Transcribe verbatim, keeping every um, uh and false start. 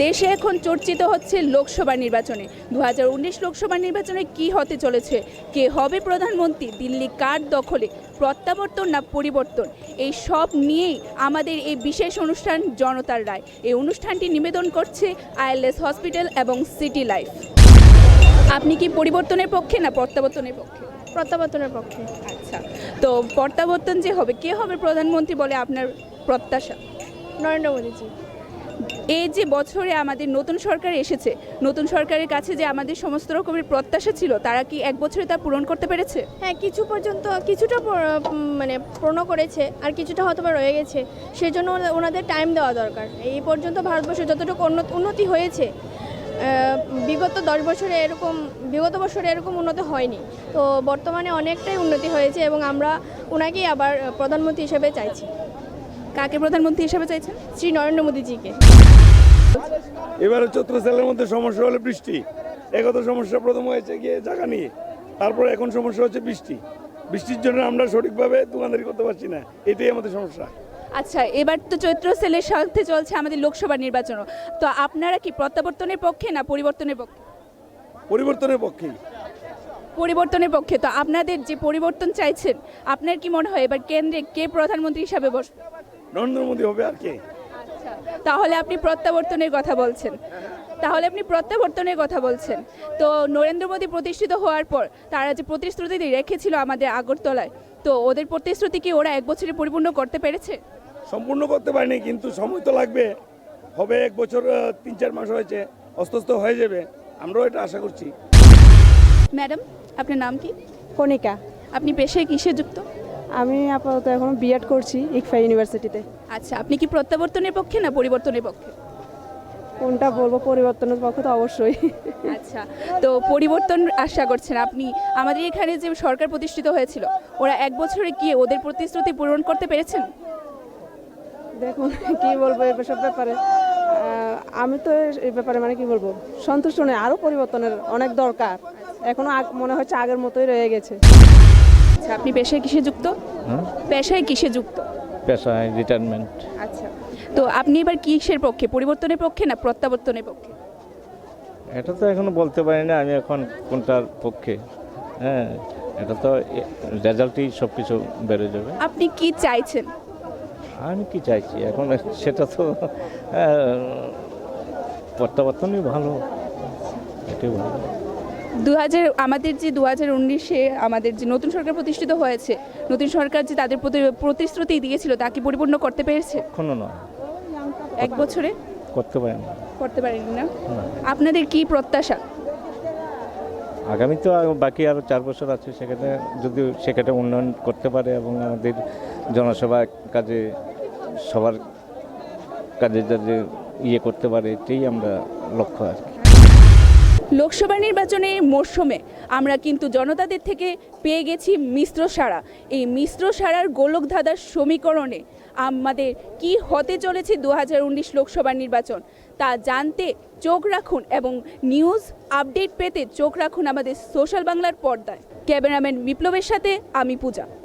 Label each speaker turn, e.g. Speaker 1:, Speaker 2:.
Speaker 1: দেশে এখন চর্চিত হচ্ছে লোকসভা নির্বাচনে দু হাজার উনিশ লোকসভা নির্বাচনে কি হতে চলেছে, কে হবে প্রধানমন্ত্রী, দিল্লি কার দখলে, প্রত্যাবর্তন না পরিবর্তন, এই সব নিয়েই আমাদের এই বিশেষ অনুষ্ঠান জনতার রায়। এই অনুষ্ঠানটি নিবেদন করছে আইএলএস হসপিটাল এবং সিটি লাইফ। আপনি কি পরিবর্তনের পক্ষে না প্রত্যাবর্তনের পক্ষে?
Speaker 2: প্রত্যাবর্তনের পক্ষে।
Speaker 1: আচ্ছা, তো প্রত্যাবর্তন যে হবে, কে হবে প্রধানমন্ত্রী বলে আপনার প্রত্যাশা?
Speaker 2: নরেন্দ্র মোদীজি।
Speaker 1: এই যে বছরে আমাদের নতুন সরকার এসেছে, নতুন সরকারের কাছে যে আমাদের সমস্ত রকমের প্রত্যাশা ছিল, তারা কি এক বছরে তা পূরণ করতে পেরেছে?
Speaker 2: হ্যাঁ, কিছু পর্যন্ত কিছুটা প- উম, মানে পূর্ণ করেছে, আর কিছুটা হয়তো বা রয়ে গেছে। সেই জন্য ওনা- ওনাদের টাইম দেওয়া দরকার। এই পর্যন্ত ভারতবর্ষে যতটুকু উন্নত- উন্নতি হয়েছে, আহ, বিগত দশ বছরে এরকম বিগত বছরে এরকম উন্নতি হয়নি। তো বর্তমানে অনেকটাই উন্নতি হয়েছে এবং আমরা ওনাকেই আবার প্রধানমন্ত্রী হিসেবে চাইছি।
Speaker 1: কাকে প্রধানমন্ত্রী হিসেবে চাইছেন?
Speaker 2: শ্রী নরেন্দ্র মোদীজিকে।
Speaker 3: এবারে চৈত্র সেলের মধ্যে সমস্যা হলো বৃষ্টি। একত সমস্যা প্রথম হয়েছে গিয়ে জায়গা নিয়ে, তারপর এখন সমস্যা হচ্ছে বৃষ্টি। বৃষ্টির জন্য আমরা সঠিকভাবে দোকানদারি করতে পারছি না, এটাই আমাদের সমস্যা।
Speaker 1: আচ্ছা, এবার তো চৈত্র সেলের সাথে চলছে আমাদের লোকসভা নির্বাচনও, তো আপনারা কি প্রত্যাবর্তনের পক্ষে না পরিবর্তনের পক্ষে?
Speaker 3: পরিবর্তনের পক্ষেই।
Speaker 1: পরিবর্তনের পক্ষে। তো আপনাদের যে পরিবর্তন চাইছেন, আপনার কি মনে হয় এবার কেন্দ্রে কে প্রধানমন্ত্রী হিসাবে বসবে?
Speaker 3: নরেন্দ্র মোদী হবে আর কে।
Speaker 1: আচ্ছা, তাহলে আপনি প্রত্যাবর্তনের কথা বলছেন তাহলে আপনি প্রত্যাবর্তনের কথা বলছেন তো নরেন্দ্র মোদী প্রতিষ্ঠিত হওয়ার পর তারা যে প্রতিশ্রুতি রেখেছিল আমাদের আগরতলায়, তো ওদের প্রতিশ্রুতি কি ওরা এক বছরে পরিপূর্ণ করতে পেরেছে?
Speaker 3: সম্পূর্ণ করতে পারিনি, কিন্তু সময় তো লাগবে। হবে এক বছর, আহ, তিন চার মাস হয়েছে, আস্তে আস্তে হয়ে যাবে, আমরাও এটা আশা করছি।
Speaker 1: ম্যাডাম, আপনার নাম কি?
Speaker 4: কণিকা।
Speaker 1: আপনি পেশায় কিসে যুক্ত?
Speaker 4: আমি আপাতত এখন বিএড করছি ইকফা ইউনিভার্সিটিতে।
Speaker 1: আচ্ছা, আপনি কি প্রত্যাবর্তনের পক্ষে না পরিবর্তনের পক্ষে?
Speaker 4: কোনটা বলবো, পরিবর্তনের পক্ষে তো অবশ্যই।
Speaker 1: আচ্ছা, তো পরিবর্তন আশা করছেন আপনি। আমাদের এখানে যে সরকার প্রতিষ্ঠিত হয়েছিল, ওরা এক বছরে গিয়ে ওদের প্রতিশ্রুতি পূরণ করতে পেরেছেন?
Speaker 4: দেখুন কি বলবো এই সব ব্যাপারে, আহ, আমি তো এই ব্যাপারে মানে কি বলবো, সন্তুষ্ট নই। আরও পরিবর্তনের অনেক দরকার। এখনো আগ- মনে হচ্ছে আগের মতোই রয়ে গেছে।
Speaker 1: আচ্ছা, আপনি পেশায় কিসে যুক্ত? পেশায় কিসে যুক্ত?
Speaker 5: পেশায় রিটায়ারমেন্ট।
Speaker 1: আচ্ছা, তো আপনি এবার কিসের পক্ষে, পরিবর্তনের পক্ষে না প্রত্যাবর্তনের পক্ষে?
Speaker 5: এটা তো এখনো বলতে পারি না আমি এখন কোনটার পক্ষে। হ্যাঁ, এটা তো রেজাল্টই সব কিছু বেড়ে যাবে।
Speaker 1: আপনি কি চাইছেন?
Speaker 5: আমি কি চাইছি এখন সেটা তো আহ, প্রত্যাবর্তনই ভালো, এটাই ভালো।
Speaker 1: দু হাজার আমাদের যে দু হাজার উনিশে আমাদের যে নতুন সরকার প্রতিষ্ঠিত হয়েছে, নতুন সরকার যে তাদের প্রতি প্রতিশ্রুতি দিয়েছিল, তা কি পরিপূর্ণ করতে পেরেছে?
Speaker 5: এখনো নয়,
Speaker 1: এক বছরে
Speaker 5: করতে পারি না।
Speaker 1: করতে পারেনি না?
Speaker 5: না।
Speaker 1: আপনাদের কি প্রত্যাশা?
Speaker 5: আগামী তো আর বাকি আরও চার বছর আছে, সেখানে যদি সেখানে উন্নয়ন করতে পারে এবং আমাদের জনসভা কাজে সবার কাজে যাতে ইয়ে করতে পারে, এটাই আমরা লক্ষ্য আর কি।
Speaker 1: লোকসভা নির্বাচনের মরশুমে আমরা কিন্তু জনতাদের থেকে পেয়ে গেছি মিশ্র সাড়া। এই মিশ্র সাড়ার গোলকধাঁধার সমীকরণে আমাদের কি হতে চলেছে দু হাজার উনিশ লোকসভা নির্বাচন, তা জানতে চোখ রাখুন এবং নিউজ আপডেট পেতে চোখ রাখুন আমাদের সোশ্যাল বাংলার পর্দায়। ক্যামেরাম্যান বিপ্লবের সাথে আমি পূজা।